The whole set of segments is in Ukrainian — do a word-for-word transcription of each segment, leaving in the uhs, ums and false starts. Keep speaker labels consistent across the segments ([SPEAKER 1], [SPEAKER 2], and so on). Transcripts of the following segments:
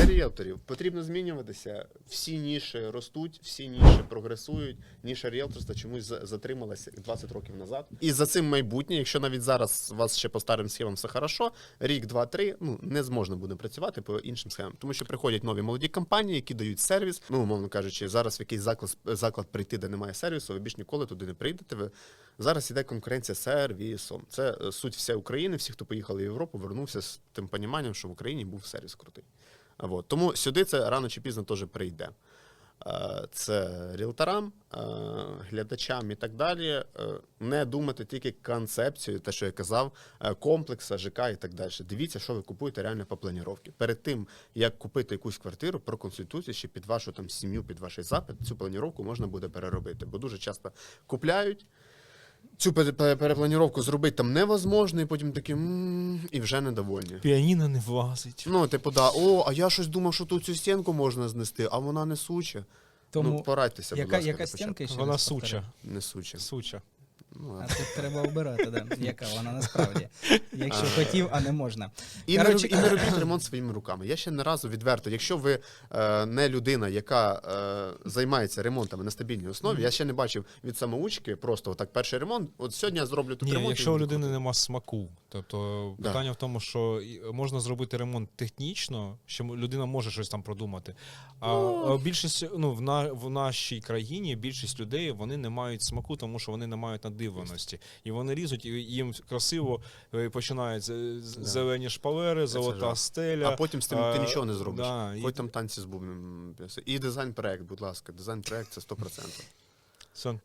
[SPEAKER 1] для ріелторів потрібно змінюватися. Всі ніші ростуть, всі ніші прогресують. Ніша ріелторства чомусь затрималася двадцять років назад. І за цим майбутнє, якщо навіть зараз у вас ще по старим схемам все хорошо, рік, два, три, ну, не зможна буде працювати по іншим схемам. Тому що приходять нові молоді компанії, які дають сервіс. Ну, умовно кажучи, зараз в якийсь заклад, заклад прийти, де немає сервісу, ви більш ніколи туди не прийдете. Ви... Зараз іде конкуренція з сервісом. Це суть вся України, всі, хто поїхали в Європу, вернувся з тим поніманням, що в Україні був сервіс крутий. Вот. Тому сюди це рано чи пізно теж прийде. Це ріелторам, глядачам і так далі. Не думати тільки концепцію, те, що я казав, комплекса, ЖК і так далі. Дивіться, що ви купуєте реально по планіровці. Перед тим, як купити якусь квартиру, проконсультуйте ще під вашу там сім'ю, під ваш запит, цю планіровку можна буде переробити. Бо дуже часто купляють, цю перепланіровку зробити там невозможно, і потім такі, м-м, і вже недовольні.
[SPEAKER 2] Піаніно не влазить.
[SPEAKER 1] Ну, типу, да, о, а я щось думав, що тут цю стінку можна знести, а вона не суча.
[SPEAKER 3] Тому
[SPEAKER 1] ну, порадьтеся,
[SPEAKER 3] яка,
[SPEAKER 1] будь ласка,
[SPEAKER 3] яка стінка ще
[SPEAKER 2] Вона
[SPEAKER 3] раз
[SPEAKER 2] суча.
[SPEAKER 3] повторю?
[SPEAKER 1] Не суча.
[SPEAKER 2] Суча.
[SPEAKER 1] Ну,
[SPEAKER 3] А тут треба обирати, да, яка вона насправді. Якщо хотів, а не можна.
[SPEAKER 1] І,
[SPEAKER 3] Коротше,
[SPEAKER 1] не, і не робіть ремонт своїми руками. Я ще не разу відверто, якщо ви е, не людина, яка е, займається ремонтами на стабільній основі, mm-hmm. я ще не бачив від самоучки просто отак перший ремонт, от сьогодні я зроблю тут
[SPEAKER 2] Ні,
[SPEAKER 1] ремонт.
[SPEAKER 2] якщо у людини нема смаку, тобто
[SPEAKER 1] да.
[SPEAKER 2] питання в тому, що можна зробити ремонт технічно, що людина може щось там продумати, а
[SPEAKER 1] ну,
[SPEAKER 2] більшість, ну, в, на, в нашій країні більшість людей, вони не мають смаку, тому що вони не мають надивленості. І вони різуть, і їм красиво починають да. зелені шпалери, золота стеля.
[SPEAKER 1] А потім з тим а, ти нічого не зробиш.
[SPEAKER 2] Да,
[SPEAKER 1] Хоч і... там танці з бубном. І дизайн-проект, будь ласка. Дизайн-проект – це сто відсотків.
[SPEAKER 2] Сон.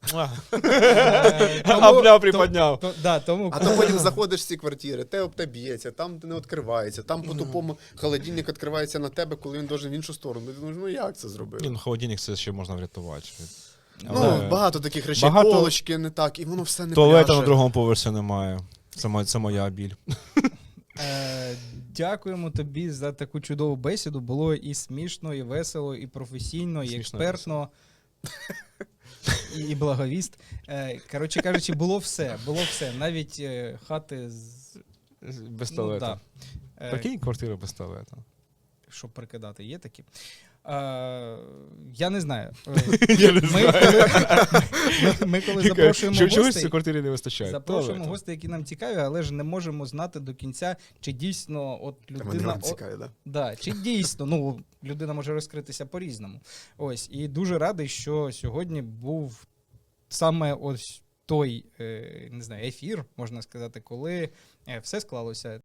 [SPEAKER 2] Абля приподняв.
[SPEAKER 1] А то потім заходиш в ці квартири, те об те б'ється, там не відкривається, там по-тупому холодильник відкривається на тебе, коли він должен в іншу сторону. Ти думаєш, ну як це зробили?
[SPEAKER 2] Ні, ну холодильник це ще можна врятувати.
[SPEAKER 1] Ну, Але... багато таких речей, багато... полочки не так, і воно все не
[SPEAKER 2] туалета
[SPEAKER 1] пляше.
[SPEAKER 2] На другому поверсі немає. Це, моя, це моя біль.
[SPEAKER 3] Е, дякуємо тобі за таку чудову бесіду. Було і смішно, і весело, і професійно, і експертно. І, і благовіст. Е, коротше кажучи, було все. Було все. Навіть е, хати з...
[SPEAKER 2] без туалета.
[SPEAKER 3] Ну, да.
[SPEAKER 2] Прикинь, квартира без туалета.
[SPEAKER 3] Щоб прикидати, є такі? Е, я не знаю.
[SPEAKER 2] Я не
[SPEAKER 3] ми,
[SPEAKER 2] знаю.
[SPEAKER 3] Коли, ми, ми коли запрошуємо
[SPEAKER 2] Що,
[SPEAKER 3] гостей,
[SPEAKER 2] чогось цій квартирі не вистачає.
[SPEAKER 3] запрошуємо
[SPEAKER 2] туалету.
[SPEAKER 3] гостей, які нам цікаві, але ж не можемо знати до кінця, чи дійсно от людина...
[SPEAKER 1] Вам цікаві, да?
[SPEAKER 3] Да, чи дійсно, ну, людина може розкритися по-різному. Ось, і дуже радий, що сьогодні був саме ось той, е, не знаю, ефір, можна сказати, коли е, все склалося.